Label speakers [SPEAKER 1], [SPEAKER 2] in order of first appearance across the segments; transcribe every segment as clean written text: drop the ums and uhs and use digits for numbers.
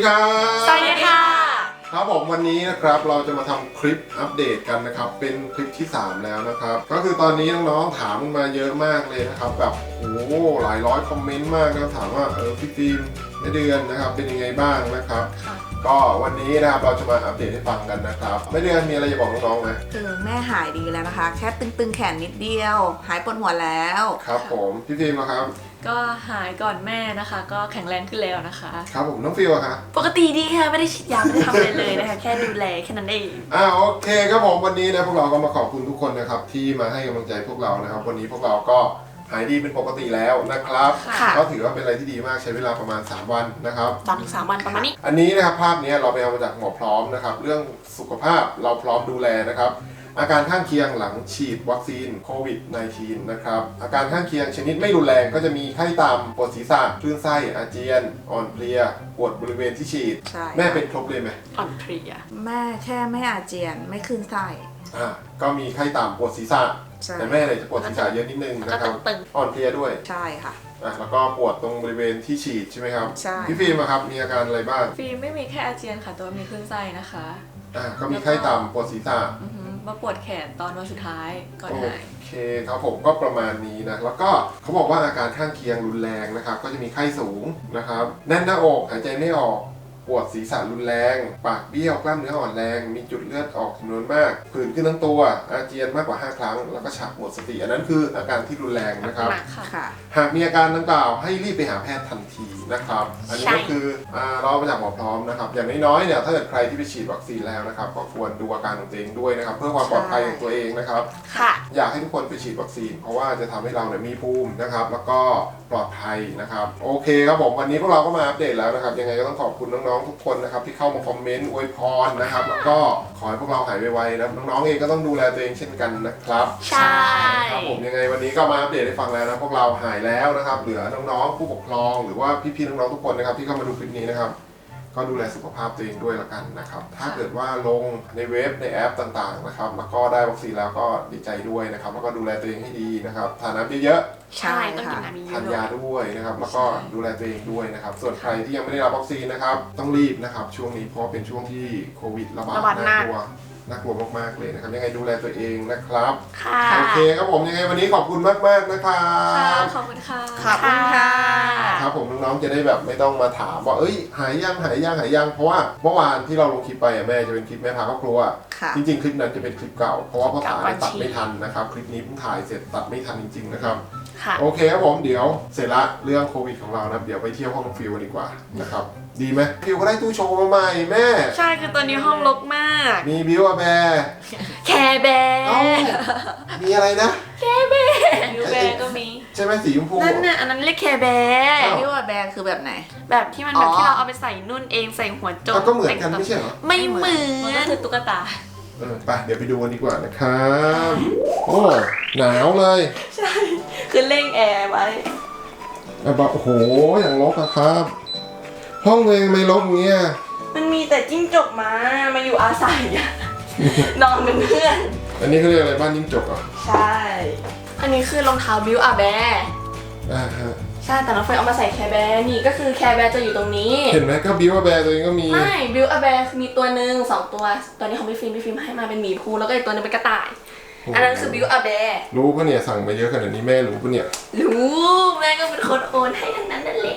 [SPEAKER 1] ครับ
[SPEAKER 2] สวัสดีค่ะ
[SPEAKER 1] ครับผมวันนี้นะครับเราจะมาทำคลิปอัปเดตกันนะครับเป็นคลิปที่3แล้วนะครับก็คือตอนนี้น้องๆถามมาเยอะมากเลยนะครับแบบโอ้โหหลายร้อยคอมเมนต์มากนะถามว่าพี่ฟิล์มในเดือนนะครับเป็นยังไงบ้างนะครับก็วันนี้นะครับเราจะมาอัปเดตให้ฟังกันนะครับไม่เดือนมีอะไรจะบอกน้องๆไหม
[SPEAKER 2] คือแม่หายดีแล้วนะคะแค่ตึงๆแขนนิดเดียวหายปวดหัวแล้ว
[SPEAKER 1] ครับผมพี่ฟิล์มนะครับ
[SPEAKER 3] ก็หายก่อนแม่นะคะก็แข็งแรงขึ้นแล้วนะคะ
[SPEAKER 1] ครับผมน้องฟิลอะครับ
[SPEAKER 3] ปกติดีค่ะไม่ได้ฉีดยาไม่ได้ทำอะไรเลยนะคะแค่ดูแลแค่นั้นเอง
[SPEAKER 1] โอเคครับผมวันนี้นะพวกเราก็มาขอบคุณทุกคนนะครับที่มาให้กำลังใจพวกเรานะครับวันนี้พวกเราก็หายดีเป็นปกติแล้วนะครับก็ถือว่าเป็นอะไรที่ดีมากใช้เวลาประมาณ3วันนะครับ
[SPEAKER 3] 3 วันประมาณนี้
[SPEAKER 1] อันนี้นะครับภาพนี้เราไปเอามาจากหมอพร้อมนะครับเรื่องสุขภาพเราพร้อมดูแลนะครับอาการข้างเคียงหลังฉีดวัคซีนโควิด -19 นะครับอาการข้างเคียงชนิดไม่รุนแรงก็จะมีไข้ต่ำปวดศีรษะคลื่นไส้อาเจียนอ่อนเพลียปวดบริเวณที่ฉีดแม่เป็นครบเลยไหม
[SPEAKER 3] อ่อนเพลีย
[SPEAKER 2] แม่แค่ไม่อาเจียนไม่คลื่นไส้
[SPEAKER 1] ก็มีไข้ต่ำปวดศีรษะแต่แม่เนี่ยจะปวดศีรษะเยอะนิดนึงนะครับอ่อนเพลียด้วย
[SPEAKER 2] ใช่ค่ะ
[SPEAKER 1] แล้วก็ปวดตรงบริเวณที่ฉีดใช่ไหมครับ
[SPEAKER 2] ใช่
[SPEAKER 1] พี่ฟิล์มครับมีอาการอะไรบ้าง
[SPEAKER 3] ฟิล์มไม่มีแค่อาเจียนค่ะแต่ว่ามีคลื่นไส้นะคะ
[SPEAKER 1] ก็มีไข้ต่ำปวดศีรษะ
[SPEAKER 3] มาปวดแขนตอนวันสุดท้ายก่อนหาย
[SPEAKER 1] โอเคครับผมก็ประมาณนี้นะแล้วก็เขาบอกว่าอาการข้างเคียงรุนแรงนะครับก็จะมีไข้สูงนะครับแน่นหน้าอกหายใจไม่ออกปวดศีรษะรุนแรงปากเบี้ยวกล้ามเนื้ออ่อนแรงมีจุดเลือดออกจำนวนมากผื่นขึ้นทั้งตัวอาเจียนมากกว่า5ครั้งแล้วก็ชักหมดสติอันนั้นคืออาการที่รุนแรงนะครับหากมีอาการดังกล่าวให้รีบไปหาแพทย์ทันทีนะครับอันนี้ก็คือเรามาจากหมอพร้อมนะครับอย่างน้อยๆเนี่ยถ้าเกิดใครที่ไปฉีดวัคซีนแล้วนะครับก็ควรดูอาการของตัวเองด้วยนะครับเพื่อความปลอดภัยของตัวเองนะครับอยากให้ทุกคนไปฉีดวัคซีนเพราะว่าจะทำให้เราเนี่ยมีภูมินะครับแล้วก็ปลอดภัยนะครับโอเคครับผมวันนี้พวกเราก็มาอัปเดตแล้วนะครับยังไงก็ต้องขอบคุณน้องๆทุกคนนะครับที่เข้ามาคอมเมนต์อวยพรนะครับแล้วก็ขอให้พวกเราหายไวๆนะน้องๆเองก็ต้องดูแลตัวเองเช่นกันนะครับ
[SPEAKER 3] ใช่
[SPEAKER 1] ครับผมยังไงวันนี้ก็มาอัปเดตให้ฟังแล้วนะพวกเราหายแล้วนะครับเหลือน้องๆผู้ปกครองหรือว่าพี่ๆน้องๆทุกคนนะครับที่เข้ามาดูคลิปนี้นะครับก็ดูแลสุขภาพตัวเองด้วยละกันนะครับถ้าเกิดว่าลงในเว็บในแอปต่างๆนะครับแล้วก็ได้วัคซีนแล้วก็ดีใจด้วยนะครับแล้วก็ดูแลตัวเองให้ดีนะครับทานน้ำเยอะ
[SPEAKER 3] ๆใช่ต้องกินน้ำเยอะ
[SPEAKER 1] ทานยาด้วยนะครับแล้วก็ดูแลตัวเองด้วยนะครับส่วนใครที่ยังไม่ได้รับวัคซีนนะครับต้องรีบนะครับช่วงนี้เพราะเป็นช่วงที่โควิดระบาดน่ากลัวมากๆเลยนะครับยังไงดูแลตัวเองนะครับโอเคครับผมยังไงวันนี้ขอบคุณมากๆนะครับ
[SPEAKER 3] ขอบคุณค่ะ
[SPEAKER 2] ขอบคุณค่ะ
[SPEAKER 1] ครับผมน้องๆจะได้แบบไม่ต้องมาถามว่าหายยังเพราะว่าเมื่อวานที่เราลงคลิปไปแม่จะเป็นคลิปแม่พาครอบครัวจริงๆคลิปนั้นจะเป็นคลิปเก่าเพราะว่าพ่อถ่ายตัดไม่ทันนะครับคลิปนี้เพิ่งถ่ายเสร็จตัดไม่ทันจริงๆนะครับโอเคครับผมเดี๋ยวเสร็จละเรื่องโควิดของเรานะเดี๋ยวไปเที่ยวห้องฟิวดีกว่านะครับดีไหมฟิวก็ได้ตู้โชว์มาใหม่แม่
[SPEAKER 3] ใช่คือตอนนี้ห้องรกมาก
[SPEAKER 1] มีบิวอะแบร์
[SPEAKER 3] แคร์แบร์
[SPEAKER 1] มีอะไรนะ
[SPEAKER 3] แคร์แบร์บิวแบร์ก็มี
[SPEAKER 1] ใช่ไหมสีชมพู
[SPEAKER 3] นั่นน่ะอันนั้นเรียกแคร์แบร์
[SPEAKER 2] บิวแบร์คือแบบไหน
[SPEAKER 3] แบบที่มันแบบที่เราเอาไปใส่นุ่นเองใส่หัวโจ
[SPEAKER 1] มก็เหมือนกันไม่ใช่เหรอ
[SPEAKER 3] ไม่เหมือนก็คือตุ๊กตา
[SPEAKER 1] ไปเดี๋ยวไปดูกันดีกว่านะครับโอ้หนาวเลย
[SPEAKER 3] ใช่คือเร่งแอร์ไว้
[SPEAKER 1] แบบโอ้โหอย่างรกอะครับห้องตัวเองไม่รกเงี้ย
[SPEAKER 3] มันมีแต่จิ้งจกมาอยู่อาศัยนอนเป็นเพื่อน
[SPEAKER 1] อันนี้เขาเรียกอะไรบ้านจิ้งจกอ่ะ
[SPEAKER 3] ใช่อันนี้คือรองเท้าบิวอาแบร์ใช่แต่น้องเฟยเอามาใส่แคร์แบร์นี่ก็คือแคร์แบร์จะอยู่ตรงนี้
[SPEAKER 1] เห็นไหมก็บิวอาแบร์ตัวเองก็มี
[SPEAKER 3] ไม่บิวอาแบร์มีตัวหนึ่ง2ตัวตัวนี้ของพี่ฟิล์มให้มาเป็นหมีภูแล้วก็อีกตัวนึงเป็นกระต่ายอันนั้นคือบิวอาแบร์
[SPEAKER 1] รู้ปะเนี่ยสั่งมาเยอะขนาดนี้แม่รู้ปะเนี่ย
[SPEAKER 3] รู้แม่ก็เป็นคนโอนให้ทั้งนั้นนั่นแหละ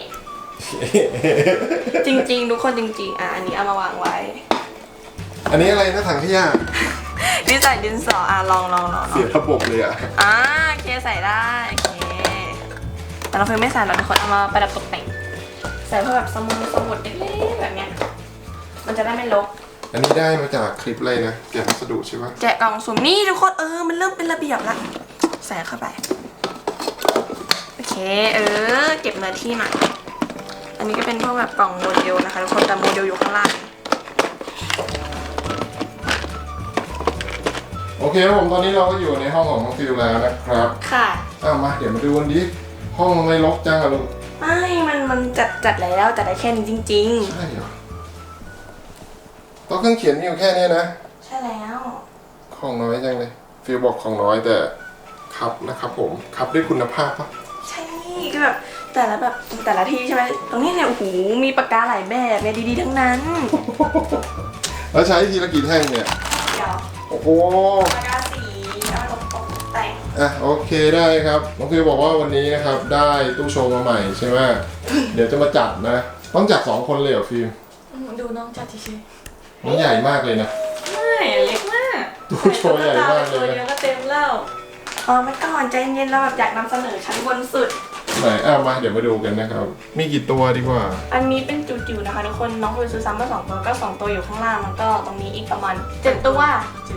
[SPEAKER 3] จริงๆทุกคนจริงๆอันนี้เอามาวางไว้
[SPEAKER 1] อันนี้อะไรนะถังขยะ
[SPEAKER 3] นี่ใส่ดินสอลอง
[SPEAKER 1] เสียระบบเลย
[SPEAKER 3] เคใส่ได้เคแต่เราเพิ่งไม่ใส่หรอกทุกคนเอามาประดับตกแต่งใส่เพื่อแบบสมุดเล็กๆแบบเนี้ยมันจะได้ไม่รก
[SPEAKER 1] อันนี้ได้มาจากคลิปอะไรนะแกะวัสดุใช่ปะ
[SPEAKER 3] แกะกล่องสุ่มนี่ทุกคนมันเริ่มเป็นระเบียบละใส่เข้าไปโอเคเก็บเนื้อที่หน่อยอันนี้ก็เป็นพวกแบบกล่องโมเดลนะคะทุกคนแต่โมเดลอยู่ข้างล่าง
[SPEAKER 1] โอเคครับผมตอนนี้เราก็อยู่ในห้องของน้องฟิวแล้วนะครับ
[SPEAKER 3] ค่ะ
[SPEAKER 1] มาเดี๋ยวมาดูกันดิห้องไม่รกจังอะลูก
[SPEAKER 3] ไม่มันจัดแล้วจัดได้แค่นี้จริง
[SPEAKER 1] ๆใช่เหรอโต๊ะเครื่องเขียนมีอยู่แค่นี้นะ
[SPEAKER 3] ใช่แล้ว
[SPEAKER 1] ของน้อยจังเลยฟิวบอกของน้อยแต่ครับนะครับผมครับด้วยคุณภาพปะ
[SPEAKER 3] ใช่ก็แบบแต่ละแบบแต่ละที่ใช่ไหมตรงนี้เนี่ยโอ้โหมีปากกาหลายแบบเนี่ยดีๆทั้งนั้น
[SPEAKER 1] แล้วใช้ทีละกี่แท่งเนี่ย
[SPEAKER 3] เดี๋ยว
[SPEAKER 1] โอ้โห
[SPEAKER 3] ปากกาสีเอามาตกแต่ง
[SPEAKER 1] อ่ะโอเคได้ครับน้องฟิวบอกว่าวันนี้นะครับได้ตู้โชว์มาใหม่ใช่ไหม เดี๋ยวจะมาจัดนะ ต้องจัด2 คนเลยเหรอฟิว
[SPEAKER 3] ดูน้องจัดเฉย
[SPEAKER 1] มันใหญ่มากเลยนะ
[SPEAKER 3] ๆไม่เล็กมาก
[SPEAKER 1] ตู้โชว์ใหญ่มากเลย
[SPEAKER 3] ตัว
[SPEAKER 1] นะ
[SPEAKER 3] เดียวก็เต็มแล้วไม่ก่อนใจเย็นเราแบบอยากนำเสนอชั้นบนสุด
[SPEAKER 1] ไหนมาเดี๋ยวมาดูกันนะครับ มีกี่ตัวดีกว่า
[SPEAKER 3] อันนี้เป็นจิ๋วๆนะคะทุกคนน้องฟิวซื้อซ้ำมา2 ตัวก็2 ตัวอยู่ข้างล่างแล้วก็ตรงนี้อีกประมาณ7 ตัว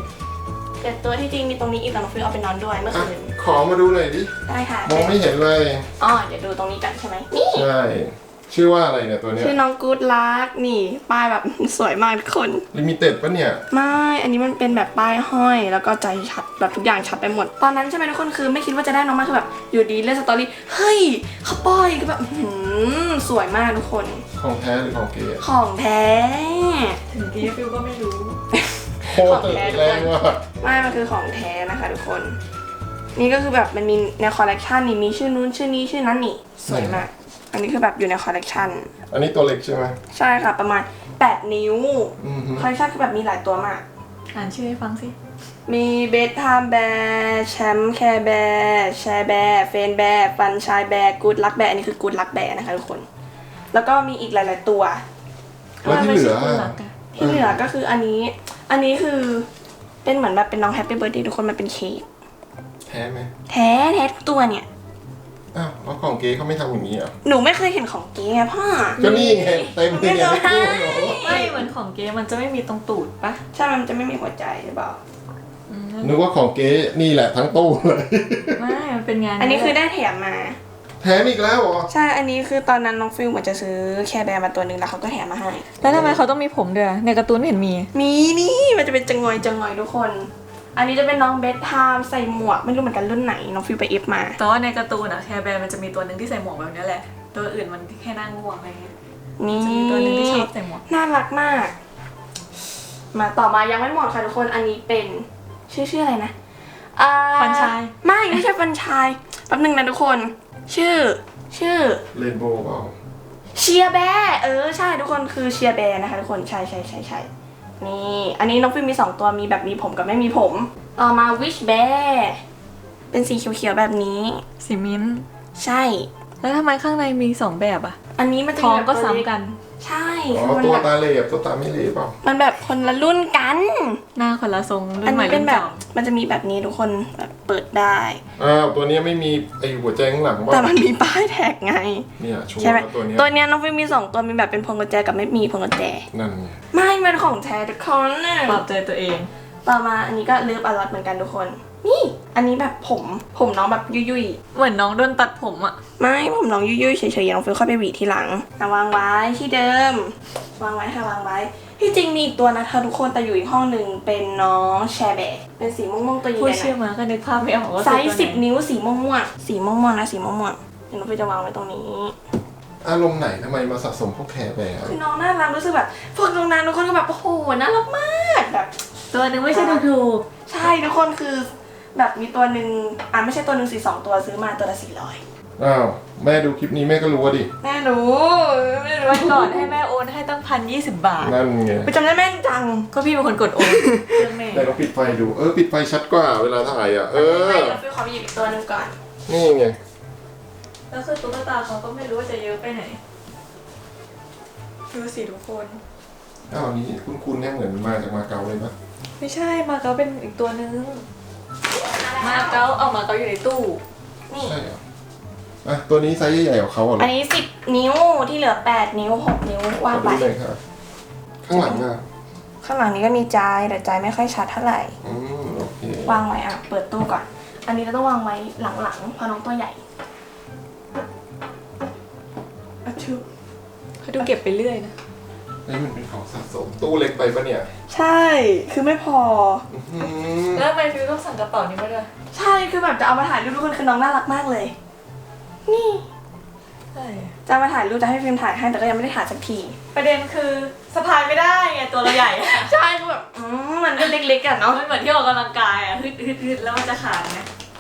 [SPEAKER 3] 7 ตัวที่จริงมีตรงนี้อีกแต่น้องฟิวเอาไปนอนด้วยเมื่อ
[SPEAKER 1] อ่ะ
[SPEAKER 3] คืน
[SPEAKER 1] ขอมาดูหน่อยดิ
[SPEAKER 3] ได้ค่ะ
[SPEAKER 1] มองไม่เห็นเลย
[SPEAKER 3] เดี๋ยวดูตรงนี้กันใช่ไหมนี่
[SPEAKER 1] ใช่ ชื่อว่าอะไรเนี่ยตัวเนี้ย
[SPEAKER 3] ชื่อน้องกู๊ดลักนี่ป้ายแบบ สวยมากทุกคน
[SPEAKER 1] ลิมิเต็ดปะเนี่ย
[SPEAKER 3] ไม่อันนี้มันเป็นแบบป้ายห้อยแล้วก็ใจชัดแบบทุกอย่างชัดไปหมด ตอนนั้นใช่ไหมทุกคนคือไม่คิดว่าจะได้น้องมาคือแบบอยู่ดีเล่นสตอรี่เฮ้ยเขาป้อยก็แบบสวยมากทุกคน
[SPEAKER 1] ของแท้หรือของเก๋
[SPEAKER 3] ของแท้
[SPEAKER 2] ถึงกี้ฟิวก็ไม่รู้
[SPEAKER 1] โคตรแรงว่ะ
[SPEAKER 3] ไม่มันคือของแท้นะคะทุกคน นี่ก็คือแบบมันมีในคอลเลกชันนี่มีชื่อนู้นชื่อนี้ชื่อนั้นนี่สวยมาก อันนี้คือแบบอยู่ในคอลเลกชัน
[SPEAKER 1] อันนี้ตัวเล็กใช่ไหม
[SPEAKER 3] ใช่ค่ะประมาณ8 นิ้ว
[SPEAKER 1] อือฮึ
[SPEAKER 3] คอลเลกชันคือแบบมีหลายตัวมาก
[SPEAKER 2] อ่านชื่อให้ฟังสิ
[SPEAKER 3] มีเบสไทม์แบร์แชมป์แคร์แบร์แชร์แบร์เฟนแบร์ฟันชายแบร์กูดลักแบร์อันนี้คือกูดลักแบร์นะคะทุกคน แล้วก็มีอีกหลาย ๆ ตัว
[SPEAKER 1] แล้วที่เหลือ
[SPEAKER 3] ที่เหลือก็คืออันนี้คือเป็นเหมือนแบบเป็นน้องแฮปปี้เบิร์ดเดย์ทุกคนมันเป็นเค้ก
[SPEAKER 1] แท้ไหม
[SPEAKER 3] แท้ทุกตัวเนี่ย
[SPEAKER 1] อ้าวแล้วของเก๋เขาไม่ทำอย่างนี้เหรอ
[SPEAKER 3] หนูไม่เคยเห็นของเก๊ไงพ่อ
[SPEAKER 1] ก็นี่ไงเต็มเลยเนี่ย
[SPEAKER 3] ไม่
[SPEAKER 1] ไม่
[SPEAKER 3] ได้
[SPEAKER 1] กู้เหรอ
[SPEAKER 2] ไม่เหมือนของเกมมันจะไม่มีตรงตูดปะ
[SPEAKER 3] ใช่มันจะไม่มีหัวใจหรือเปล่า
[SPEAKER 1] นึกว่าของเก๋นี่แหละทั้งตู้เลย
[SPEAKER 2] ไม่มันเป็นงาน
[SPEAKER 3] อันนี้คือได้แถมมา
[SPEAKER 1] แถมอีกแล้วเหรอ
[SPEAKER 3] ใช่ อันนี้คือตอนนั้นน้องฟิลเหมือนจะซื้อแคร์แบร์มาตัวหนึ่งแล้วเขาก็แถมมาให้
[SPEAKER 2] แล้วทำไมเขาต้องมีผมด้วยในการ์ตูนไม่เห็นมี
[SPEAKER 3] มีนี่มันจะเป็นจังงอยทุกคน อันนี้จะเป็นน้องเบสไทม์ใส่หมวกไม่รู้เหมือนกันรุ่นไหนน้องฟิลไปเอฟมา
[SPEAKER 2] แต่ว่าในการ์ตูนอะแคร์แบร์มันจะมีตัวหนึ่งที่ใส่หมวกแบบนี้แหละ ตัวอื่นมันแค่นั่งง่วงอะไรเงี้ย
[SPEAKER 3] นี่
[SPEAKER 2] จะมีตัวหนึ่งที่ชอบใส่หมวก
[SPEAKER 3] น่ารักมาก มาต่อมายังไม่หมดค่ะทุกคน อันนี้เป็นชื่ออะไรนะ
[SPEAKER 2] ฟันชาย
[SPEAKER 3] ไม่ใช่ฟันชายแป๊บหนึงนะทุกคน ชื่อ
[SPEAKER 1] เรนโบว์เปล่า
[SPEAKER 3] เชียร์แบร์ใช่ทุกคนคือเชียร์แบร์นะคะทุกคนใช่นี่อันนี้น้องฟิลมี2 ตัวมีแบบมีผมกับไม่มีผม ต่อมาวิชแบร์เป็นสีเขียวๆแบบนี้
[SPEAKER 2] สีมิ้นท์
[SPEAKER 3] ใช่
[SPEAKER 2] แล้วทำไมข้างในมี2แบบอะ
[SPEAKER 3] อันนี้มันจะ
[SPEAKER 2] ท้อ
[SPEAKER 3] มี
[SPEAKER 2] ง
[SPEAKER 3] แบบ
[SPEAKER 2] ก็
[SPEAKER 3] ตัวเล็
[SPEAKER 2] ซ้ำกัน
[SPEAKER 3] ใช่
[SPEAKER 1] อ๋อ
[SPEAKER 3] คือมัน
[SPEAKER 1] ตัว
[SPEAKER 3] แบบ
[SPEAKER 1] ตาเหลบตัวตาไม่เหลบเปล่า
[SPEAKER 3] มันแบบคนละรุ่นกัน
[SPEAKER 2] หน้าคนละทรงรุ่
[SPEAKER 3] อั
[SPEAKER 2] น
[SPEAKER 3] น
[SPEAKER 2] ใหม่
[SPEAKER 3] นี้เป็
[SPEAKER 2] รุ่
[SPEAKER 3] น
[SPEAKER 2] น
[SPEAKER 3] แบบ
[SPEAKER 2] เก่า
[SPEAKER 3] มันจะมีแบบนี้ทุกคนแบบเปิดได้
[SPEAKER 1] อ้าวตัวนี้ไม่มีไอหัวใจข้างหลังบ้า
[SPEAKER 3] แต่มันมีป้ายแท็กไง
[SPEAKER 1] เนี่ยชัว
[SPEAKER 3] ใช่ไหม
[SPEAKER 1] ร์ตัวเนี้ย
[SPEAKER 3] ตัวเนี้ยน้องฟิลมี2 ตัวมีแบบเป็นพวงกุญแจกับไม่มีพวงกุญแจ
[SPEAKER 1] นั่นไง
[SPEAKER 3] ไม่เป็นของแท้ทุกคนน่ะ
[SPEAKER 2] ปลอบใจตัวเอง
[SPEAKER 3] ต่อมาอันนี้ก็เลิฟอลอตเหมือนกันทุกคน นี่อันนี้แบบผมน้องแบบยุ่ย
[SPEAKER 2] เหมือนน้องโดนตัดผมอะ
[SPEAKER 3] ๆไม่ผมน้องยุ่ยๆเฉยๆน้องฟิลค่อยไปหวีทีหลังวางไว้ที่เดิม วางไว้ค่ะวางไว้ที่จริงมีอีกตัวนะคะทุกคนแต่อยู่อีกห้องหนึ่งเป็นน้องแชร์แบร์เป็นสีม่วงๆตัวให
[SPEAKER 2] พูด
[SPEAKER 3] ญ่ๆหน่
[SPEAKER 2] ชื่อ
[SPEAKER 3] อย
[SPEAKER 2] มาก็นึกภาพไม่ออกว่า
[SPEAKER 3] ไซ
[SPEAKER 2] คือ
[SPEAKER 3] ส์
[SPEAKER 2] ตัวไหน
[SPEAKER 3] 10 นิ้วสีม่วงๆสีม่วงๆนะสีม่วงๆเดี๋ยวน้องฟิลจะวางไว้ตรงนี้
[SPEAKER 1] อารมณ์ไหนทำไมมาสะสมพวกแคร์แบร์
[SPEAKER 3] คือน้องน่ารักรู้สึกแบบพวกตรงนั้นทุกคนก็แบบโอ้โหน่ารักมากแบบ
[SPEAKER 2] ตัวหนึงไม่ใช่ถูก
[SPEAKER 3] ใช่ทุกคนคือแบบมีตัวหนึ่งไม่ใช่ตัวหนึ่ง2 ตัวซื้อมาตัวละ400
[SPEAKER 1] อ้าวแม่ดูคลิปนี้แม่ก็รู้ว่าดิ
[SPEAKER 3] แม่รู้ไม่รู้
[SPEAKER 2] วันก่อนให้แม่โอนให้ตั้ง1,020 บาท
[SPEAKER 1] นั่นไง
[SPEAKER 3] ไปจำได้แม่นจัง
[SPEAKER 2] ก็พี่เป็นคนกดโอนเรื่องแม่
[SPEAKER 1] แต่เราปิดไฟดูปิดไฟชัดกว่าเวลาถ่ายอ่ะ
[SPEAKER 3] ไม่เราฟิลขอไปหยิบอีกตัวหนึ่งก่อน
[SPEAKER 1] นี่ไง
[SPEAKER 2] แล้วคือตุ๊กตาเขาก็ไม่รู้ว่าจะเยอะไปไหนดูสิทุกคน
[SPEAKER 1] อ้าวนี่คุณเนี่ยเหมือนมาจากมาเก๊าเลยปะ
[SPEAKER 2] ไม่ใช่มาเก๊าเป็นอีกตัวนึงมาเก๊าเอามาเก๊าอยู่ในตู้
[SPEAKER 3] นี่
[SPEAKER 1] ใช่เหรออ่ะตัวนี้ไซส์ใหญ่ๆของเขาเหรอ
[SPEAKER 3] อันนี้10 นิ้วที่เหลือ8 นิ้ว6 นิ้วว่า
[SPEAKER 1] ข
[SPEAKER 3] ง
[SPEAKER 1] อ
[SPEAKER 3] ไป
[SPEAKER 1] ดูหน่อยค่ะข้างหลังอ่ะ
[SPEAKER 3] ข้างหลังนี้ก็มีใจแต่ใจไม่ค่อยชัดเท่าไหร่
[SPEAKER 1] โอเคว
[SPEAKER 3] างไว้เปิดตู้ก่อน อันนี้เราต้องวางไว้หลังๆเพราะน้องตัวใหญ่อะชู
[SPEAKER 2] เขาดูเก็บไปเรื่อยนะ
[SPEAKER 1] มันเป็นของสะสมตู้เล็กไปปะเนี่ย
[SPEAKER 3] ใช่คือไม่พอ
[SPEAKER 1] อืม
[SPEAKER 2] แล้วทำไมฟิวต้องสั่งกระเป๋านี้มาด้วย
[SPEAKER 3] ใช่คือแบบจะเอามาถ่ายรูปทุกคนคือน้องน่ารักมากเลย นี่
[SPEAKER 2] ใช่
[SPEAKER 3] จะเอามาถ่ายรูปจะให้ฟิล์มถ่ายให้แต่ก็ยังไม่ได้ถ่ายสักที
[SPEAKER 2] ประเด็นคือสะพายไม่ได้ไงตัวเราใหญ่
[SPEAKER 3] ใช่คือแบบมันก็เล็กๆอะเนาะ
[SPEAKER 2] มันเหมือนที่ออกกำลังกายอ่ะฮึดแล้วมันจะขาดไหม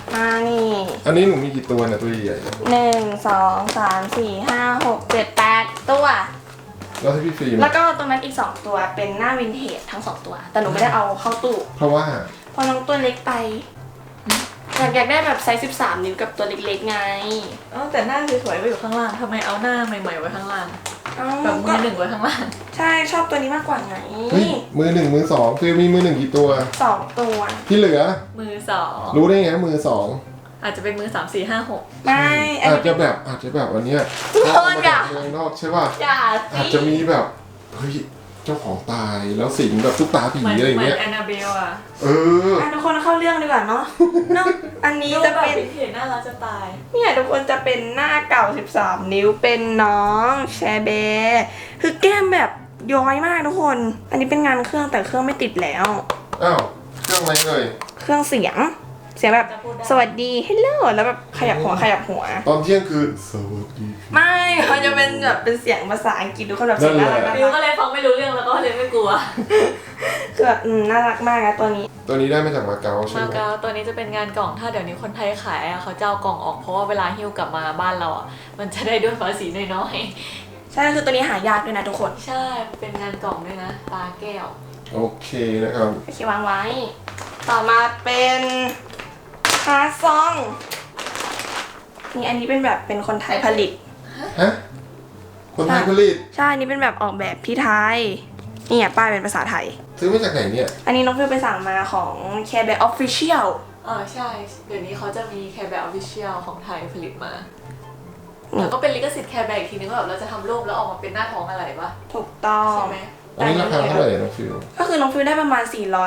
[SPEAKER 3] มานี่
[SPEAKER 1] อันนี้หนูมีกี่ตัวเนี่ยตัวใหญ่ๆเนี่ย
[SPEAKER 3] 1 2 3 4 5 6 7 8 ตัว
[SPEAKER 1] แล้วที่พี่ฟิล์ม
[SPEAKER 3] แล้วก็ตรงนั้นอีก 2 ตัวเป็นหน้าวินเทจทั้ง 2 ตัว แต่หนูไม่ได้เอาเข้าตู้
[SPEAKER 1] เพราะว่า
[SPEAKER 3] เพราะน้องตัวเล็กไป อยากได้แบบไซส์13 นิ้วกับตัวเล็กๆไง
[SPEAKER 2] แต่หน้าสวยๆไว้อยู่ข้างล่างทำไมเอาหน้าใหม่ๆไว้ข้างล่าง
[SPEAKER 3] เอ้า
[SPEAKER 2] แบบมื
[SPEAKER 3] ก็
[SPEAKER 2] อหนึ่งไว้ข้างล่าง
[SPEAKER 3] ใช่ชอบตัวนี้มากกว่าไง
[SPEAKER 1] เฮ้ยมือหนึ่งมือสองฟิล์มมีมือหนึ่งกี่ตัว
[SPEAKER 3] 2 ตัว
[SPEAKER 1] ที่เหลือ
[SPEAKER 2] มือสอง
[SPEAKER 1] รู้ได้ไงมือสอง
[SPEAKER 2] อาจจะเป็นมือ3 4 5 6
[SPEAKER 3] ไม่อัน
[SPEAKER 1] อาจ
[SPEAKER 3] นี้
[SPEAKER 1] จะแบบอันเนี้ย
[SPEAKER 3] ทุกคน
[SPEAKER 1] เอามา
[SPEAKER 3] อย่า
[SPEAKER 1] จากเมืองนอกใช่ป่ะ
[SPEAKER 3] อย่า
[SPEAKER 1] อาจจะมีแบบเฮ้ยเจ้าของตายแล้วสิงแบบตุ๊กตาผี
[SPEAKER 2] เหมือน
[SPEAKER 1] อะไรอย่าง
[SPEAKER 2] เหมือ
[SPEAKER 1] เงี้ย
[SPEAKER 2] นแอนนาเบลอะ
[SPEAKER 1] เออ
[SPEAKER 3] ทุกคนเข้าเรื่องดีกว่าเนาะเนาะอันนี้
[SPEAKER 2] ดู
[SPEAKER 3] จะ
[SPEAKER 2] แบบ
[SPEAKER 3] เป็น
[SPEAKER 2] วินเทจน่ารักจะตาย
[SPEAKER 3] เนี่ยทุกคนจะเป็นหน้าเก่า 13 นิ้วเป็นน้องแชเบคือแก้มแบบย้อยมากทุกคน อันนี้เป็นงานเครื่องแต่เครื่องไม่ติดแล้ว
[SPEAKER 1] อ้าวเครื่องอะไรเอ่ย
[SPEAKER 3] เครื่องเสียงแบบ
[SPEAKER 2] จะพูดได้
[SPEAKER 3] สวัสดีฮัลโหลแล้วแบบขยับหัว
[SPEAKER 1] ตอนเที่ยงคืนสวัสดีครับ
[SPEAKER 3] ไม่เขาจะเป็นแบบเป็นเสียงภาษาอังกฤษทุกคนแบบเสียงน่ารัก
[SPEAKER 2] ฟิวก็เลยฟังไม่รู้เรื่องแล้วก็เลยไม่กลัว
[SPEAKER 3] คือแบบน่ารักมากนะตัวนี้
[SPEAKER 1] ตัวนี้ได้มาจากมาเก๊าใช่
[SPEAKER 2] มา
[SPEAKER 1] ไหม
[SPEAKER 2] เก๊าตัวนี้จะเป็นงานกล่องถ้าเดี๋ยวนี้คนไทยขายอะเขาจะเอากล่องออกเพราะว่าเวลาหิ้วกลับมาบ้านเราอะมันจะได้ด้วยภาษีน้อย
[SPEAKER 3] ใช่คือตัวนี้หายากด้วยนะทุกคน
[SPEAKER 2] ๆใช่เป็นงานกล่องด้วยนะตาแก้ว
[SPEAKER 1] โอเคนะครับ
[SPEAKER 3] โอเควางไว้ ต่อมาเป็นฮาร์ดซองนี่อันนี้เป็นแบบเป็นคนไทยผลิต
[SPEAKER 1] ฮะคนไทยผลิต
[SPEAKER 3] ใช่ อันนี้เป็นแบบออกแบบที่ไทย นี่ป้ายเป็นภาษาไทย
[SPEAKER 1] ซื้อมาจากไหนเนี่ย
[SPEAKER 3] อันนี้น้องฟิวไปสั่งมาของ Care Bear Official
[SPEAKER 2] ใช่เดี๋ยวนี้เขาจะมีแคร์แบร์ออฟฟิเชียลของไทยผลิตมา
[SPEAKER 3] นี่
[SPEAKER 2] แล้วก็เป็นลิขสิทธิ์แคร์แบร์อีกทีนึงว่าแบบเราจะทำรูปแล้วออกมาเป็นหน้าท้องอะไรปะ
[SPEAKER 3] ถูกต้อง
[SPEAKER 2] ใช่ไหม
[SPEAKER 1] อันนี้ราคาเท่าไหร่น้องฟิว
[SPEAKER 3] ก็คือน้องฟิวได้ประมาณ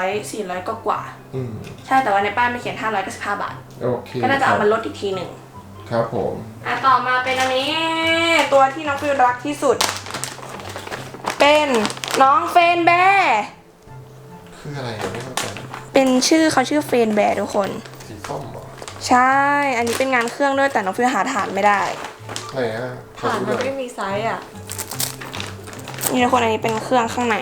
[SPEAKER 3] 400กว่า
[SPEAKER 1] อืม
[SPEAKER 3] ใช่ แต่ว่าในป้ายมันเขียน 595 บาท
[SPEAKER 1] โอเค
[SPEAKER 3] ก็น่าจะเอามาลดอีกทีหนึ่ง
[SPEAKER 1] ครับผม
[SPEAKER 3] ต่อมาเป็นอันนี้ ตัวที่น้องฟิวรักที่สุด เป็นน้องเฟนแบร์
[SPEAKER 1] คืออะไรอ่ะไม่เข้าใจ
[SPEAKER 3] เป็นชื่อเขาชื่อเฟนแบร์ทุกคน
[SPEAKER 1] สีส้มเหรอ
[SPEAKER 3] ใช่ อันนี้เป็นงานเครื่องด้วยแต่น้องฟิวหาฐานไม่ได้
[SPEAKER 1] ไหนอ่ะขอ
[SPEAKER 2] ฐาน
[SPEAKER 1] ดูห
[SPEAKER 2] มั
[SPEAKER 1] น่
[SPEAKER 2] น
[SPEAKER 1] อย
[SPEAKER 2] ไม่มีไซส์อ่ะ
[SPEAKER 3] นี่ทุกคนอันนี้เป็นเครื่องข้างใน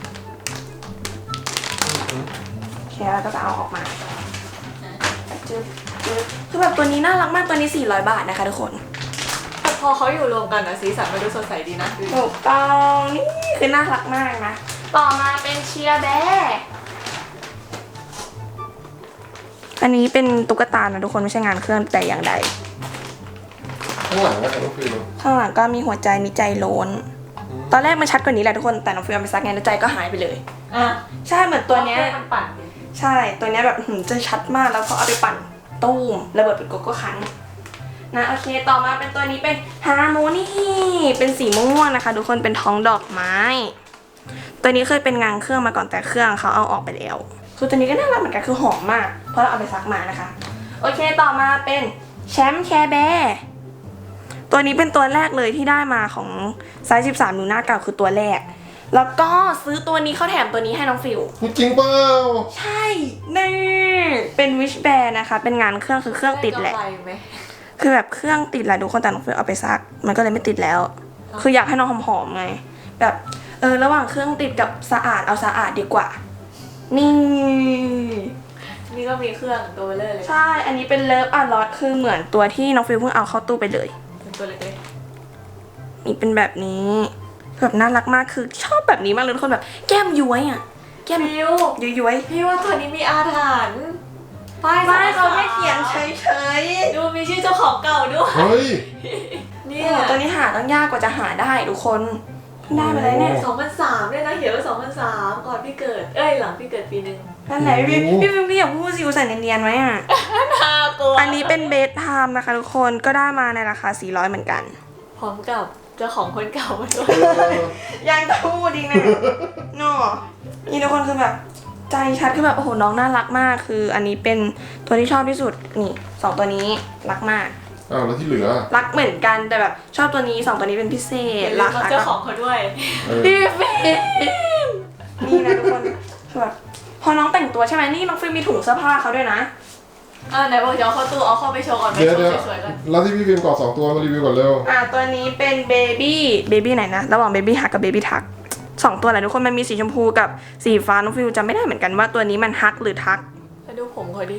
[SPEAKER 3] โอเคแล้วก็จะเอาออกมาจึ๊บจึ๊บคือแบบตัวนี้น่ารักมากตัวนี้400 บาทนะคะทุกคน
[SPEAKER 2] แต่พอเขาอยู่รวมกันนะสีสันมันดูสดใสดีนะ
[SPEAKER 3] ถูกต้องนี่คือน่ารักมากนะ ต่อมาเป็นเชียร์แบร์อันนี้เป็นตุ๊กตานะทุกคนไม่ใช่งานเครื่องแต่อย่างใด
[SPEAKER 1] ข้างหลังนะครับน้องฟิว
[SPEAKER 3] ข้างหลังก็มีหัวใจมีใจโล้น ตอนแรกมันชัดกว่านี้แหละทุกคนแต่น้องฟิวเอาไปซักไงแล้วใจก็หายไปเลย
[SPEAKER 2] อ่ะ
[SPEAKER 3] ใช่เหมือนตัวเนี้ย
[SPEAKER 2] มันปั่นดิ
[SPEAKER 3] ใช่ตัวเนี้ยแบบจะชัดมากแล้วพอเอาไปปั่นตู้มระเบิดเป็นโกโก้คันนะโอเคต่อมาเป็นตัวนี้เป็นฮาร์โมนีเป็นสีม่วงๆนะคะทุกคนเป็นท้องดอกไม้ ตัวนี้เคยเป็นงานเครื่องมาก่อนแต่เครื่องเขาเอาออกไปแล้วคือตัวนี้ก็น่ารักเหมือนกันคือหอมมากเพราะเราเอาไปซักมานะคะโอเคต่อมาเป็นแชมป์แคร์แบร์ตัวนี้เป็นตัวแรกเลยที่ได้มาของไซส์13 นิ้วหน้าเก่าคือตัวแรก แล้วก็ซื้อตัวนี้เขาแถมตัวนี้ให้น้องฟิว
[SPEAKER 1] จริงเปล่า
[SPEAKER 3] ใช่นี่เป็นวิชแบร์นะคะ เป็นงานเครื่องคือเครื่องติดแหละ
[SPEAKER 2] ไกำไรไหม
[SPEAKER 3] คือแบบเครื่องติดแหละทุกคนแต่น้องฟิวเอาไปซัก มันก็เลยไม่ติดแล้ว คืออยากให้น้องหอมๆไง แบบระหว่างเครื่องติดกับสะอาดเอาสะอาดดีกว่า นี่
[SPEAKER 2] นี่ก็มีเครื่องตัวเลย
[SPEAKER 3] ใช่ อันนี้เป็นเลิฟอะลอตคือเหมือนตัวที่น้องฟิวเพิ่งเอาเข้าตู้ไปเลย
[SPEAKER 2] เป็นตัวเล็ก
[SPEAKER 3] นี่เป็นแบบนี้แบบน่ารักมากคือชอบแบบนี้มากเลยทุกคนแบบแก้มย้วยอ่ะ แก้ม
[SPEAKER 2] ๆฟิว
[SPEAKER 3] ย้วย
[SPEAKER 2] พี่ว่าตัวนี้มีอาถรรพ์ป้าย
[SPEAKER 3] ๆไม่เขาแค่เขียนเฉยๆ
[SPEAKER 2] ดูมีชื่อเจ้าของเก่าด้วย
[SPEAKER 1] เฮ้ย
[SPEAKER 2] เนี่
[SPEAKER 3] โอ้
[SPEAKER 2] ย
[SPEAKER 3] โหตัวนี้หาต้องยากกว่าจะหาได้ทุกคนเพิ่งได้มาเลยเนี่ย
[SPEAKER 2] 2003ด้วยนะเขียนว่า2003ก่อนพี่เกิดหลังพี่เกิดปีนึง
[SPEAKER 3] นั่นแหละพี่
[SPEAKER 1] โอ้โห
[SPEAKER 3] พี่พี่อย่าพูดสิวใส่เนียนๆไว้อ่ะ
[SPEAKER 2] น่ากลัว
[SPEAKER 3] อันนี้เป็นเบสไทม์นะคะทุกคนก็ได้มาในราคา400เหมือนกัน
[SPEAKER 2] พร้อมกับเจ้าของคนเก่ามาด้วย
[SPEAKER 3] ยังพูดอีกนะเนาะนี่ทุกคนคือแบบใจชัดคือแบบโอ้โหน้องน่ารักมากคือ อันนี้เป็นตัวที่ชอบที่สุดนี่2ตัวนี้รักมาก
[SPEAKER 1] อ้าวแล้วที่เหลือ
[SPEAKER 3] รักเหมือนกันแต่แบบชอบตัวนี้2ตัวนี้เป็นพิเศษราคา
[SPEAKER 2] เจ้าของเขาด้วย
[SPEAKER 1] เออ
[SPEAKER 3] พี่เฟย์นี่นะทุกคนคือแบบพอน้องแต่งตัวใช่ไหมนี่น้องฟิล์มมีถุงเสื้อผ้าเขาด้วยนะ
[SPEAKER 2] ไหนบอกจะเอาเข้าตู้เอาเข้าไปโชว์ก่อนไป
[SPEAKER 1] เดี๋ยว
[SPEAKER 2] โช
[SPEAKER 1] เดี๋ยว
[SPEAKER 2] ว์สวยๆก่อน
[SPEAKER 1] แล้วที่พี่ฟิล์มกอด2ตัวมารีวิวก่อนเร็ว
[SPEAKER 3] ตัวนี้เป็นเบบี้ไหนนะระหว่างเบบี้ฮักกับเบบี้ทัก2ตัวแหละทุกคนมันมีสีชมพูกับสีฟ้าน้องฟิวจำไม่ได้เหมือนกันว่าตัวนี้มันฮักหรือทัก
[SPEAKER 2] ไปดูผมเขาดิ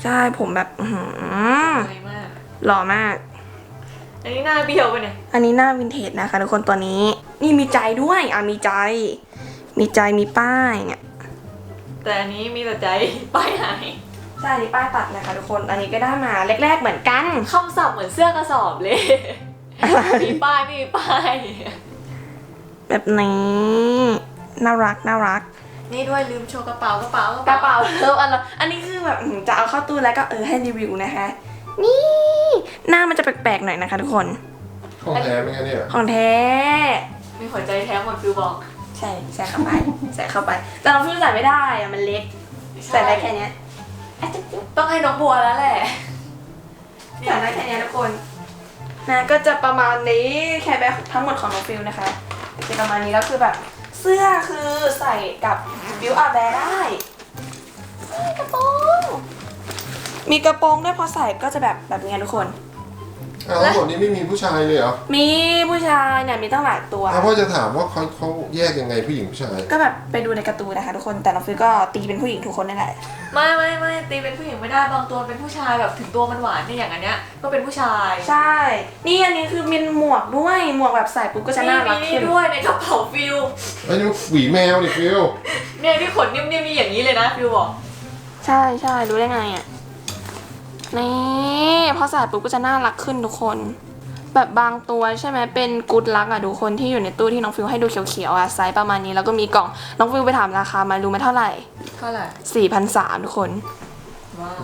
[SPEAKER 3] ใช่ผมแบบ
[SPEAKER 2] สวยมาก
[SPEAKER 3] หล่อมาก
[SPEAKER 2] อันนี้หน้าเบี้ยวไปเนี่ย
[SPEAKER 3] อันนี้หน้าวินเทจนะคะทุกคนตัวนี้ นี่มีใจด้วยมีใจ มีใจมีป้ายเนี่ย
[SPEAKER 2] แต่อันนี้มีแต่ใจป้ายหาย
[SPEAKER 3] ใช่อันนี้ป้ายตัดนะคะทุกคนอันนี้ก็ได้มาแรกๆเหมือนกัน
[SPEAKER 2] คำศัพท์เหมือนเสื้อกระสอบเลย มีป้ายไม่มีป้าย
[SPEAKER 3] แบบนี้น่ารักน่ารัก
[SPEAKER 2] นี่ด้วยลืมโชว์กระเป๋ากระเป๋าก
[SPEAKER 3] ระเป๋าอันนี้คือแบบจะเอาเข้าตู้แล้วก็ให้รีวิวนะคะ นี่หน้ามันจะแปลกๆหน่อยนะคะทุกคน
[SPEAKER 1] ของแท้ไหมคะเนี่ย
[SPEAKER 3] ของแท้
[SPEAKER 2] มีหัวใจแท้หมดฟิวบอก
[SPEAKER 3] ใช่ใส่เข้าไป ใส่เข้าไป แต่เราฟิวใส่ไม่ได้อะมันเล็กใส่ได้แค่เนี้ย
[SPEAKER 2] ต้องให้น้องบัวแล้วแหละ
[SPEAKER 3] ใส่ได้แค่เนี้ยทุกคนนะก็จะประมาณนี้แค่แบบทั้งหมดของน้องฟิวนะคะจะประมาณนี้แล้วคือแบบเสื้อคือใส่กับบิวอาร์แบร์ได้กระโปรงมีกระโปรงด้วยพอใส่ก็จะแบบนี้ทุกคน
[SPEAKER 1] อ้าวแล้วหมดนี้ไม่มีผู้ชายเลยเหรอ
[SPEAKER 3] มีผู้ชายเนี่ยมีตั้งหลายตัว
[SPEAKER 1] พ่อจะถามว่าเขาแยกยังไงผู้หญิงผู้ชาย
[SPEAKER 3] ก็แบบไปดูในการ์ตูนนะคะทุกคนแต่น้องฟิวก็ตีเป็นผู้หญิงทุกคนนั่นแหละ
[SPEAKER 2] ไม่ตีเป็นผู้หญิงไม่ได้บางตัวเป็นผู้ชายแบบถึงตัวมันหวานเนี่ยอย่างอันเนี้ยก็เป็นผู้ชาย
[SPEAKER 3] ใช่นี่อันนี้คือมีหมวกด้วยหมวกแบบใส่ปุ๊บก็จะน่ารัก
[SPEAKER 2] นี่
[SPEAKER 3] ขึ้น
[SPEAKER 2] ด้วยในกระเป๋าฟิว
[SPEAKER 1] ไอ้นี่หวีแมวดิฟิล
[SPEAKER 2] เนี่ยที่ขนนิ่มๆนี่อย่างนี้เลยนะฟิวบอก
[SPEAKER 3] ใช่รู้ได้ไงอ่ะนี่พอใส่ปุ๊บก็จะน่ารักขึ้นทุกคน แบบบางตัวใช่ไหมเป็นกู๊ดลักอ่ะทุกคนที่อยู่ในตู้ที่น้องฟิวให้ดูเขียวๆอ่ะไซส์ประมาณนี้แล้วก็มีกล่องน้องฟิวไปถามราคามารู้ไหมเท่าไหร่
[SPEAKER 2] เท่าไหร่
[SPEAKER 3] 4,300ทุกคน
[SPEAKER 2] ว้าว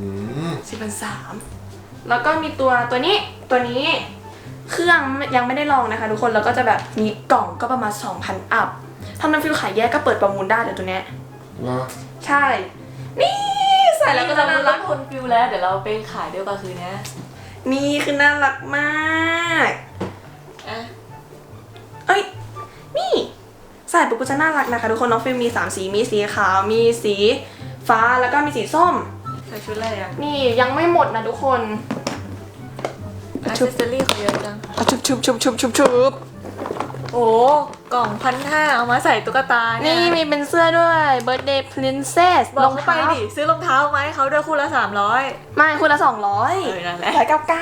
[SPEAKER 3] 4,300แล้วก็มีตัวนี้เครื่องยังไม่ได้ลองนะคะทุกคนแล้วก็จะแบบมีกล่องก็ประมาณ 2,000 อัพถ้าน้องฟิวขายแยกก็เปิดประมูลได้เดี๋ยวตัวเนี้ย
[SPEAKER 1] เหรอ
[SPEAKER 3] ใช่นี่ใส่แล้วก็จะน่ารัก
[SPEAKER 2] คนฟิวแล้วเดี๋ยวเราไปขายเดียวกันคืนนี้
[SPEAKER 3] นี่คือน่ารักมาก
[SPEAKER 2] อ่ะ
[SPEAKER 3] เอ้ยนี่ใส่ปุ๊บก็จะน่ารักนะคะทุกคนน้องฟิลมี3สีมีสีขาวมีสีฟ้าแล้วก็มีสีส้ม
[SPEAKER 2] ใส่ชุดอะไรอ่ะ
[SPEAKER 3] นี่ยังไม่หมดนะทุกคน
[SPEAKER 2] อัซเซอรี่เขาเยอะจัง
[SPEAKER 3] ชุบ
[SPEAKER 2] โอ้กล่อง1,500เอามาใส่ตุ๊กตาเนี่
[SPEAKER 3] นี่
[SPEAKER 2] ย
[SPEAKER 3] มีเป็นเสื้อด้วย Birthday Princess
[SPEAKER 2] บอกเขาไปดิซื้อรองเท้าไหมาให้เขาด้วยคู่ละ300
[SPEAKER 3] ไม่คุณละ
[SPEAKER 2] นั่นแหละ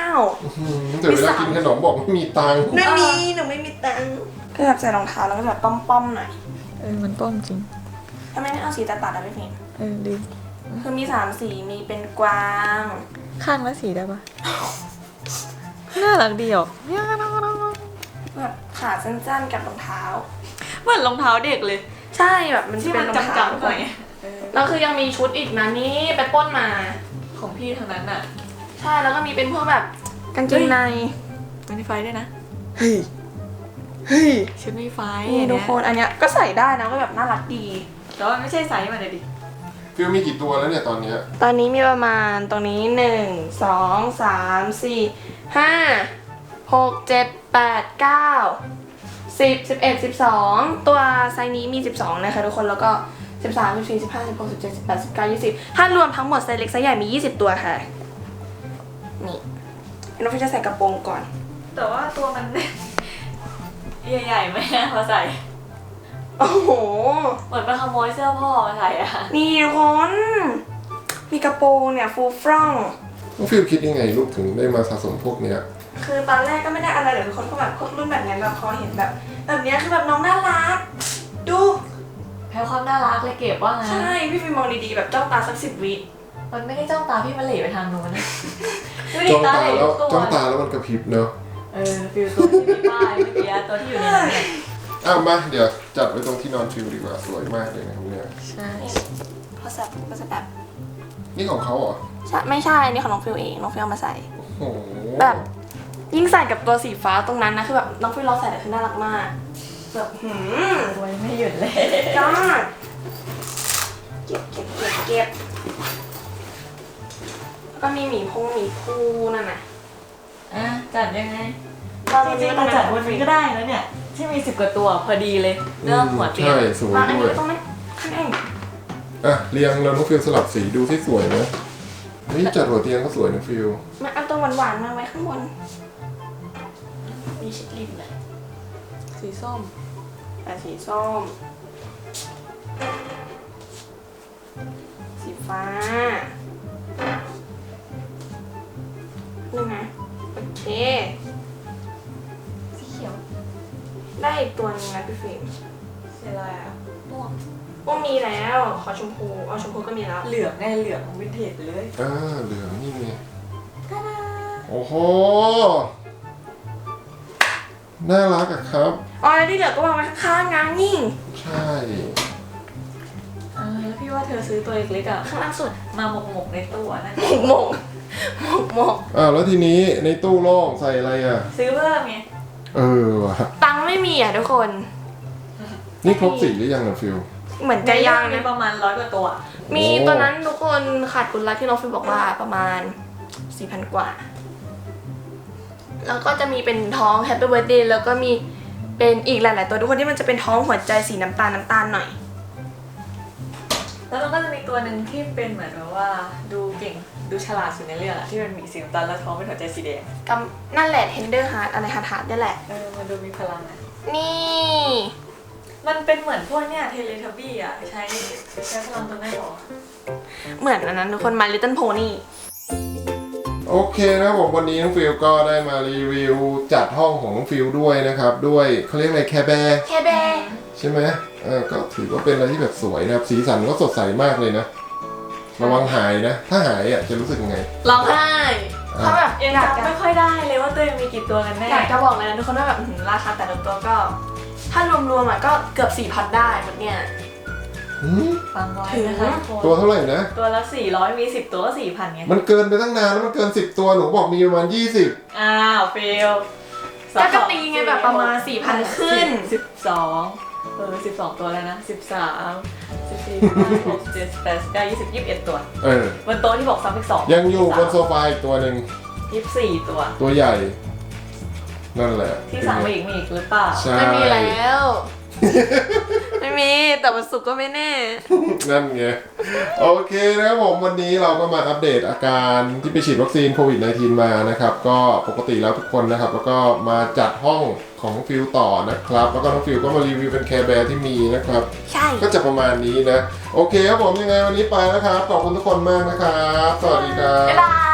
[SPEAKER 3] 200
[SPEAKER 1] เดี๋ยวเวลากินขนมบอกไม่มีตังค์
[SPEAKER 3] ไม่มีหนูไม่มีตังค์ก็แบบใส่รองเท้าแล้วก็แบบป้อมๆหน่อย
[SPEAKER 2] มันป้อมจริง
[SPEAKER 3] ทำไมไม่เอาสีตัดๆอะพี่ฟิล์ม
[SPEAKER 2] ดี
[SPEAKER 3] คือมี3สีมีเป็นกวาง
[SPEAKER 2] ข้างละสีได้ปะน่ารักดีอ่ะ
[SPEAKER 3] แบบขาสั้นๆกับรองเท้า
[SPEAKER 2] เหมือนรองเท้าเด็กเลย
[SPEAKER 3] ใช่แบบมัน
[SPEAKER 2] ที่
[SPEAKER 3] เป็
[SPEAKER 2] มัน น
[SPEAKER 3] รองเท้า
[SPEAKER 2] จำๆหน่อย
[SPEAKER 3] แล้วคือยังมีชุดอีกนะนี่ไปปล้นมา
[SPEAKER 2] ของพี่ทางนั้นอ่ะ
[SPEAKER 3] ใช่แล้วก็มีเป็นพวกแบบกางเกงใน
[SPEAKER 2] มันมีไฟด้วยนะ
[SPEAKER 3] เฮ้ย
[SPEAKER 2] ชุดมีไฟ
[SPEAKER 3] นี่ทุกคนอันเนี้ยก็ใส่ได้นะก็แบบน่ารักดี
[SPEAKER 2] แต่ว่าไม่ใช่ไซส์มันเลยดิ
[SPEAKER 1] ฟิลมีกี่ตัวแล้วเนี่ยตอนเนี้ย
[SPEAKER 3] ตอนนี้มีประมาณตรงนี้1 2 3 4 5 6 7 8 9 10 11 12ตัวไซส์นี้มี12นะคะทุกคนแล้วก็13 14 15 16 17 18 19 20ถ้ารวมทั้งหมดไซส์เล็กไซส์ใหญ่มี20ตัวค่ะนี่น้องฟิวจะใส่กระโปรงก่อน
[SPEAKER 2] แต่ว่าตัวมัน ใหญ่ๆไหมนะพอใส่
[SPEAKER 3] โอ้โห
[SPEAKER 2] เหมือนไปขโมยเสื้อพ่อมาใส่อะ
[SPEAKER 3] นี่ทุกคนมีกระโปรงเนี่ยฟูฟร่อง
[SPEAKER 1] น้องฟิลคิดยังไงลูกถึงได้มาสะสมพวกเนี้ย
[SPEAKER 3] คือตอนแรกก็ไม่ได้อะไรเลยทุกคนก็แบบพวกรุ่นแบบนี้แบบพอเห็นแบบเนี้ยคือแบบน้องน่ารักดู
[SPEAKER 2] แพ้ความน่ารักเลยเก็บว่างั้น
[SPEAKER 3] ใช่พี่ฟิล์มมองดีๆแบบจ้องตาสัก10 วิ
[SPEAKER 2] มันไม่ได้จ้องตาพี่มันเหล่ไปทางนู้นนะดูดิ
[SPEAKER 1] จ้องตา
[SPEAKER 2] เห
[SPEAKER 1] แล้ว
[SPEAKER 2] ทุก
[SPEAKER 1] จ้องตาแล้วมันกระพริบเนอะ
[SPEAKER 2] ฟิลตัวที่มีป้ายเมื่อกี้ตัวที่อยู่ในนั้นเนี่ย
[SPEAKER 1] มาเดี๋ยวจัดไว้ตรงที่นอนฟิลดีกว่าสวยมากเลยนะครับเนี่ย
[SPEAKER 2] ใช่
[SPEAKER 3] พอสับก็จะแบบ
[SPEAKER 1] นี่ของเขาเหรอ
[SPEAKER 3] ไม่ใช่อันนี้ของน้องฟิลเองน้องฟิลเอามาใส่
[SPEAKER 1] โอ้โห
[SPEAKER 3] แบบยิ่งใส่กับตัวสีฟ้าตรงนั้นนะคือแบบน้องฟิลลองใส่แต่คือน่ารักมากแบบ
[SPEAKER 2] รวยไม่หยุดเลย
[SPEAKER 3] ยอดเก็บแล้วก็มีหมีภูนั่นน่ะ
[SPEAKER 2] จัดยังไง
[SPEAKER 3] เรา
[SPEAKER 2] จริงๆเราจัดวันนี้ก็ได้แล้วเนี่ย ที่มี10 กว่าตัวพอดีเลยเรื่องหัวเตียง
[SPEAKER 1] ใช่สวย
[SPEAKER 3] วางอัน
[SPEAKER 1] ด้ว
[SPEAKER 3] นี้
[SPEAKER 1] ย
[SPEAKER 3] ตรงนั้นข้างใน
[SPEAKER 1] เรียงแล้วน้องฟิลสลับสีดูที่สวยไหมนี่จัดหัวเตียงก็สวยนะฟิล
[SPEAKER 3] มาเอาตัวหวานๆมาไว้ข้างบนมีชิดริมเลย
[SPEAKER 2] สีส้ม
[SPEAKER 3] สีส้มสีฟ้าได้อีกตัวนึงนะพี่ฟิล์ม
[SPEAKER 2] สีอะไรอ่ะม่วง
[SPEAKER 3] ก็มีแล้วขอชมพูเอาชมพูก็มีแล้ว
[SPEAKER 2] เหลืองไงเหลืองวินเทจไปเลย
[SPEAKER 1] เหลืองนี่ไงโอ้โหน่ารักอะครับ
[SPEAKER 3] อ๋อแล้วที่เหลือก็วางไว้ข้างๆงานนี่
[SPEAKER 1] ใช่
[SPEAKER 2] แล้วพี่ว่าเธอซื้อตัวเล็กๆอ่ะ
[SPEAKER 3] ข้างล่างสุด
[SPEAKER 2] มาหมกในตู้อะนะ
[SPEAKER 3] หมกหมก
[SPEAKER 1] แล้วทีนี้ในตู้โล่งใส่อะไรอ่ะ
[SPEAKER 2] ซื้อเพิ่มไง
[SPEAKER 1] ว่ะ
[SPEAKER 3] ตังค์ไม่มีอ่ะทุกคน
[SPEAKER 1] นี่ครบสีหรือยังอะฟิล
[SPEAKER 3] เหมือนจะยัง
[SPEAKER 2] มี
[SPEAKER 3] นะ
[SPEAKER 2] ประมาณ100 กว่าตัว
[SPEAKER 3] มี
[SPEAKER 1] โอ้
[SPEAKER 3] ตอนนั้นทุกคนขาดคุณรักที่น้องฟิลบอกว่าประมาณ 4,000 กว่า แล้วก็จะมีเป็นท้อง Happy Birthday แล้วก็มีเป็นอีกหลาย ๆ ตัวทุกคนที่มันจะเป็นท้องหัวใจสีน้ำตาลหน่อย
[SPEAKER 2] แล้วมันก็จะมีตัวหนึ่งที่เป็นเหมือนแบบว่าดูเก่งดูฉลาดสุดในเรื่องอะที่มันมีสีน้ำตาลแล้วท้องเป็นหัวใจสีแดง
[SPEAKER 3] กับนั่นแหละ Tender Heart อะไรฮาร์ดนี่แหละ
[SPEAKER 2] มันดูมีพลังอะ
[SPEAKER 3] นี่
[SPEAKER 2] มันเป็นเหมือนพวกเนี่ยเทเลทับบี้อะใช้พลังตัวแม่หรอ
[SPEAKER 3] เหมือนอันนั้นทุกคน My Little Pony
[SPEAKER 1] โอเคนะครับผมวันนี้น้องฟิลก็ได้มารีวิวจัดห้องของน้องฟิลด้วยนะครับด้วยเขาเรียกอะไรแคร์แบร์
[SPEAKER 3] แคร์แบร์
[SPEAKER 1] ใช่ไหมก็ถือว่าเป็นอะไรที่แบบสวยนะครับสีสันก็สดใสมากเลยนะระวังหายนะถ้าหายจะรู้สึกยังไง
[SPEAKER 3] ร้องไห้เขาแบบ
[SPEAKER 2] ยัง
[SPEAKER 3] อยาก
[SPEAKER 2] จำ
[SPEAKER 3] จะ
[SPEAKER 2] ไม่ค่อยได้เลยว่าตัวเองมีกี่ตัวกันแน่
[SPEAKER 3] อยากจะบอกเลยนะทุกคนว่าแบบราคาแต่ละตัวก็ ถ้ารวมๆอ่ะก็เกือบ 4,000 ได้หมดเนี่ย
[SPEAKER 2] ฟังไว้
[SPEAKER 3] ถึง
[SPEAKER 2] นะคะทุกคน
[SPEAKER 1] ตัวเท่าไหร่นะ
[SPEAKER 2] ตัวละ400มี10 ตัวก็ 4,000ไง
[SPEAKER 1] มันเกินไปตั้งนานแล้วมันเกิน10ตัวหนูบอกมีประมาณ20
[SPEAKER 2] อ้าวเฟล
[SPEAKER 3] ก็ตีไงแบบประมาณ 4,000 ขึ้น
[SPEAKER 2] 12 ตัวแล้วนะ13 14 15 16 17 18 19 20 21 ตัวบนโต๊ะที่บอกซ้ำอีก2
[SPEAKER 1] ยังอยู่บนโซฟาอีกตัวหนึ่ง
[SPEAKER 2] 24 ตัว
[SPEAKER 1] ตัวใหญ่ นั่นแหละ
[SPEAKER 2] ที่สั่งมาอีกมีอีกหรือเปล่า
[SPEAKER 1] ใช่
[SPEAKER 3] ไม่มีแล้ว ไม่มี แต่วันศุกร์ก็ไม่แน่
[SPEAKER 1] นั่นไงโอเคนะครับผมวันนี้เราก็มาอัปเดตอาการที่ไปฉีดวัคซีนโควิด -19 มานะครับก็ปกติแล้วทุกคนนะครับแล้วก็มาจัดห้องของฟิลต่อนะครับแล้วก็น้องฟิลก็มารีวิวเป็นแคร์แบร์ที่มีนะครับ
[SPEAKER 3] ใช่
[SPEAKER 1] ก็จะประมาณนี้นะโอเคครับผมยังไงวันนี้ไปแล้วครับขอบคุณทุกคนมากนะครับสวัสดีครับ
[SPEAKER 3] บ๊ายบาย